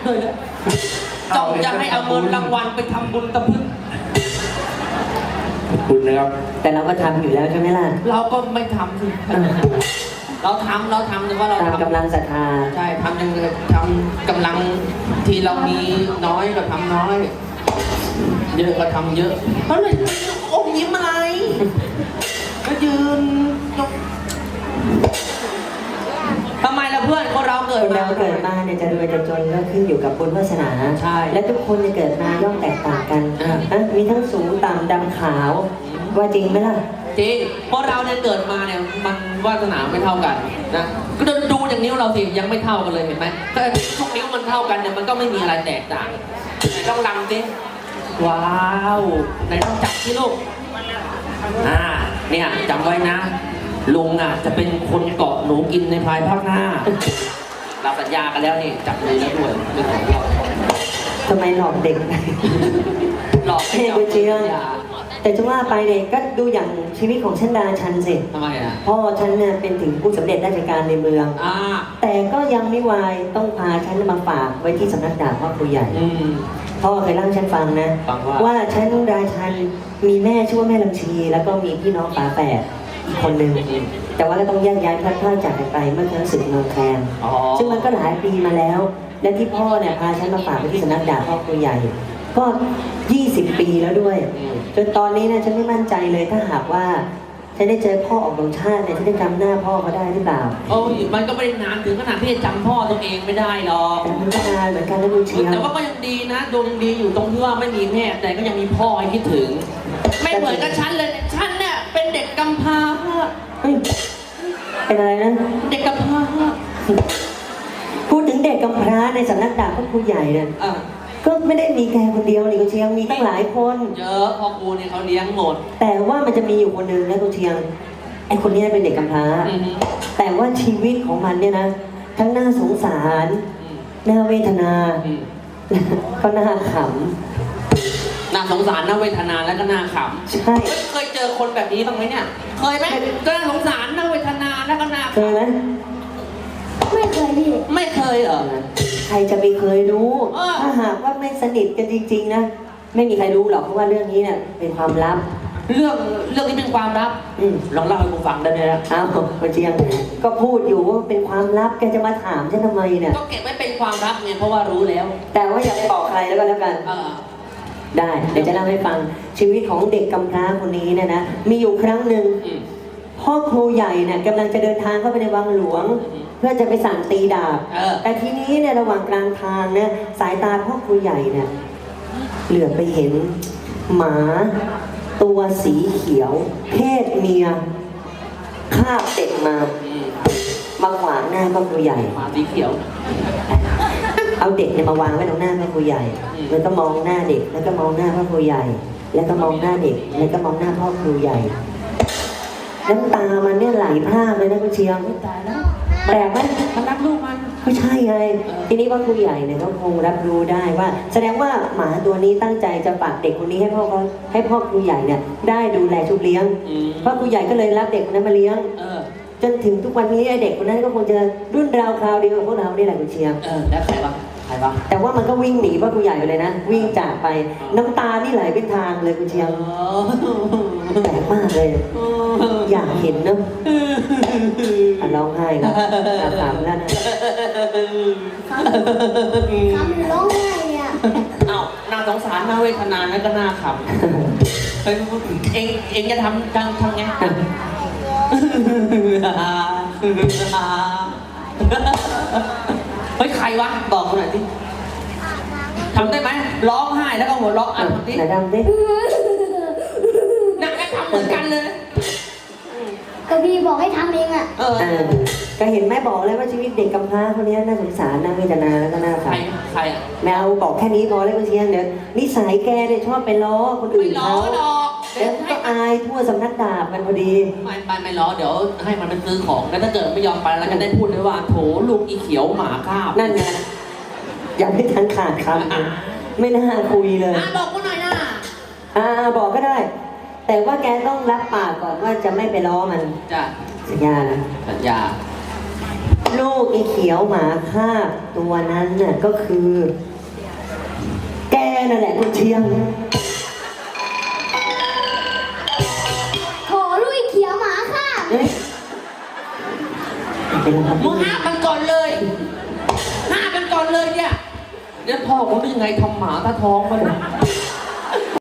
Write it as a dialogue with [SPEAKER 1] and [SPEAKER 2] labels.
[SPEAKER 1] ด้วยนะจ้องจะให้เอาเงินรางวัลไปทำบุญตะพึ่ง
[SPEAKER 2] ขอบคุณนะครับ
[SPEAKER 3] แต่เราก็ทำอยู่แล้วใช่ไหมล่ะ
[SPEAKER 1] เราก็ไม่ทำสิเราทำแต่ว่าเรา
[SPEAKER 3] ตามกำลังศรัทธา
[SPEAKER 1] ใช่ทำยังไงทำกำลังที่เรามีน้อยก็ทำน้อยเยอะก็ทำเยอะเพราะเลยอมยิ้มอะไรก็ยืนทำไมล่ะเพื่อนคนเราเกิดมา
[SPEAKER 3] เนี่ยจะรวยจะจนก็ขึ้นอยู่กับบุญวาสนา
[SPEAKER 1] ใช่
[SPEAKER 3] และทุกคนจะเกิดมาย่อมแตกต่างกันมีทั้งสูงต่ำดำขาวว่าจริงไหมล่ะ
[SPEAKER 1] จริงเพราะเราเนี่ยเกิดมาเนี่ยมันวาสนาไม่เท่ากันนะก็ดูอย่างนิ้วเราสิยังไม่เท่ากันเลยเห็นไหมถ้าทุกนิ้วมันเท่ากันเนี่ยมันก็ไม่มีอะไรแตกต่างไหนต้องลำสิว้าวไหนต้องจับที่ลูกเนี่ยจำไว้นะลุงจะเป็นคนเกาะหนูกินในภายภาคหน้าเราสัญญากันแล้วนี่จับเลยแล้วด้วยเป็นของเรา
[SPEAKER 3] ทำไมหลอกเด็ก
[SPEAKER 1] หลอกให้
[SPEAKER 3] เจริญแต่จะว่าไปเนี่ยก็ดูอย่างชีวิตของฉันดาชันสิ
[SPEAKER 1] ทำไม
[SPEAKER 3] พ่อฉันเนี่ยเป็นถึงผู้สำเร็จราชการในเมืองแต่ก็ยังไม่วายต้องพาฉันมาฝากไว้ที่สำนักดาบพ่อครูใหญ่พ่อเคยเล่าฉันฟังนะว่าฉันดาชันมีแม่ชื่อว่าแม่ลำชีแล้วก็มีพี่น้องฝาแฝดอีกคนหนึ่งแต่ว่าก็ต้องแยกย้ายพลัดพรากจากกันไปเมื่อครั้งศึกนองแคลงซึ่งมันก็หลายปีมาแล้วและที่พ่อเนี่ยพาฉันมาฝากไว้ที่สำนักดาบพ่อครูใหญ่ก็20 ปีแล้วด้วยจนตอนนี้นะฉันไม่มั่นใจเลยถ้าหากว่าฉันได้เจอพ่อออกโรงชาติเนี่ยฉันจะจำหน้าพ่อเขาได้หรือเปล่า
[SPEAKER 1] โอ้ยมันก็ไม่ได้นานถึงขนาดที่จะจำพ่อตัวเองไม่ได้หรอก
[SPEAKER 3] แต่มันก็นานเหมือนกันนะลูกเชียว
[SPEAKER 1] แต่ว่าก็ยังดีนะดวงดีอยู่ตรงที่ว่าไม่มีแม่แต่ก็ยังมีพ่อให้คิดถึงไม่เหมือนกับฉันเลยฉันเนี่ยเป็นเด็กกำพร้า
[SPEAKER 3] เป็นอะไรนะ
[SPEAKER 1] เด็กกำพร้า
[SPEAKER 3] พูดถึงเด็กกำพร้าในสำนักดาบพ่อครูใหญ่เนี่ยก็ไม่ได้มีแค่คนเดียวนี่คุณเชียงมีตั้งหลายคน
[SPEAKER 1] เยอะพ่อครูเนี่ยเขาเลี้ยงหมด
[SPEAKER 3] แต่ว่ามันจะมีอยู่คนหนึ่งนะคุณเชียงไอคนนี้เป็นเด็กกำพร้าแต่ว่าชีวิตของมันเนี่ยนะทั้งน่าสงสารน่าเวทนาก็น่าข
[SPEAKER 1] ำน่าสงสารน่าเวทนาแล้วก็น่าข
[SPEAKER 3] ำใช่
[SPEAKER 1] เคยเจอคนแบบนี้บ้างไหมเนี่ยเคยไหมก็น่าสงสารน่าเวทนาแล้วก็น่า
[SPEAKER 3] เคยไหม
[SPEAKER 4] ไม่เคยพี่
[SPEAKER 1] ไม่เคยเหรอ
[SPEAKER 3] ใครจะไปเคยรู้ถ้าหากว่าไม่สนิทกันจริงๆนะไม่มีใครรู้หรอกเพราะว่าเรื่องนี้เนี่ยเป็นความลับ
[SPEAKER 1] เรื่องนี้เป็นความลับลองเล่าให้ผมฟังได้ไหมล่ะ
[SPEAKER 3] อ้าวคุณเชียงก็พูดอยู่ว่าเป็นความลับแกจะมาถามฉันทำไมเนี่ย
[SPEAKER 1] ก็เก็บไว้เป็นความลับไงเพราะว่ารู้แล้ว
[SPEAKER 3] แต่ว่าอย่าไปบอกใครแล้วกันได้เดี๋ยวจะเล่าให้ฟังชีวิตของเด็กกำพร้าคนนี้เนี่ยนะมีอยู่ครั้งหนึ่งพ่อครูใหญ่เนี่ยกำลังจะเดินทางเข้าไปในวังหลวงเพื่อจะไปสั่งตีดาบแต่ทีนี้เนี่ยระหว่างกลางทางเนี่ยสายตาพ่อครูใหญ่เนี่ยเหลือบไปเห็นหมาตัวสีเขียวเพศเมียคาบเด็กมาขวางหน้าพ่อครูใหญ่
[SPEAKER 1] หมาสีเขียว
[SPEAKER 3] เอาเด็กเนี่ยมาวางไว้ตรงหน้าพ่อครูใหญ่แล้วก็มองหน้าเด็กแล้วก็มองหน้าพ่อครูใหญ่แล้วก็มองหน้าเด็กแล้วก็มองหน้าพ่อครูใหญ่น้ำตามันเนี่ยไหลพรากเลยนะคุณเชียง
[SPEAKER 1] ตายแล้ว
[SPEAKER 3] แปลกไหม
[SPEAKER 1] มันรักลูกมัน
[SPEAKER 3] ไม่ใช่ไงทีนี้ว่าครูใหญ่เนี่ยก็คงรับรู้ได้ว่าแสดงว่าหมาตัวนี้ตั้งใจจะฝากเด็กคนนี้ให้พ่อครูใหญ่เนี่ยได้ดูแลชุบเลี้ยงพ่อครูใหญ่ก็เลยรับเด็กคนนั้นมาเลี้ยงจนถึงทุกวันนี้ไอเด็กคนนั้นก็คงจะรุ่นราวคราวเดียวกับพวกเรานี่แหละคุณเชียง
[SPEAKER 1] แล้วใครบ้าง
[SPEAKER 3] แต่ว่ามันก็วิ่งหนีพ่อครูใหญ่ไปเลยนะวิ่งจากไปน้ำตานี่ไหลเป็นทางเลยคุณเชียงแปลกมากเลยอยากเห็นเนอะร้องไห้แล้วขำแล้วนะ
[SPEAKER 4] ขำร้องไห้เนี่ย
[SPEAKER 1] อ้าวน่าสงสารน่าเวทนาแล้วก็น่าขำเองจะทำไงเฮ้ยใครวะบอกเขาหน่อยดิทำได้ไหมร้องไห้แล้วก็หัวเราะคนที่
[SPEAKER 3] ไหนทำดิ
[SPEAKER 1] นั่งก็ทำเหมือนกันเลย
[SPEAKER 4] ก็พี่บอกให้ทำเอง
[SPEAKER 3] ก็เห็นแม่บอกเลยว่าชีวิตเด็กกำพร้าคนนี้น่าสงสารน่าเวทนาแล้วก็น่าข
[SPEAKER 1] ำใคร
[SPEAKER 3] แมวบอกแค่นี้พอแล้วคุณเชียงเดี๋ยวนิสัยแกเนี่ยชอบไปล้อคนอื่นเขาแล้วก็อายทั่วสำนักดาบมันพอดี
[SPEAKER 1] ไม่ล้อเดี๋ยวให้มันไปซื้อของแล้วถ้าเกิดไม่ยอมไปเราจะได้พูดเลยว่าโถลูกอีเขียวหมาคาบ
[SPEAKER 3] นั่นไงอย่าไม่ทันขาดคำไม่น่าคุยเลย
[SPEAKER 1] บอกกูหน่อยนะ
[SPEAKER 3] บอกก็ได้แต่ว่าแกต้องรับปากก่อนว่าจะไม่ไปล้อมัน
[SPEAKER 1] จ้ะ
[SPEAKER 3] สัญญานะ
[SPEAKER 1] สัญญา
[SPEAKER 3] ลูกไอ้เขียวหมาคาบตัวนั้นน่ะก็คือ แกนั่นแหละคุณเชียง
[SPEAKER 4] ขอลุยเขียวหมาค่ะ
[SPEAKER 3] เฮ้ยเป็นไรครับ
[SPEAKER 1] มึงห้ามมันก่อนเลยห้ามมันก่อนเลยเนี่ยเดี๋ยวพ่อผมเป็นยังไงทำหมาตาท้องมันย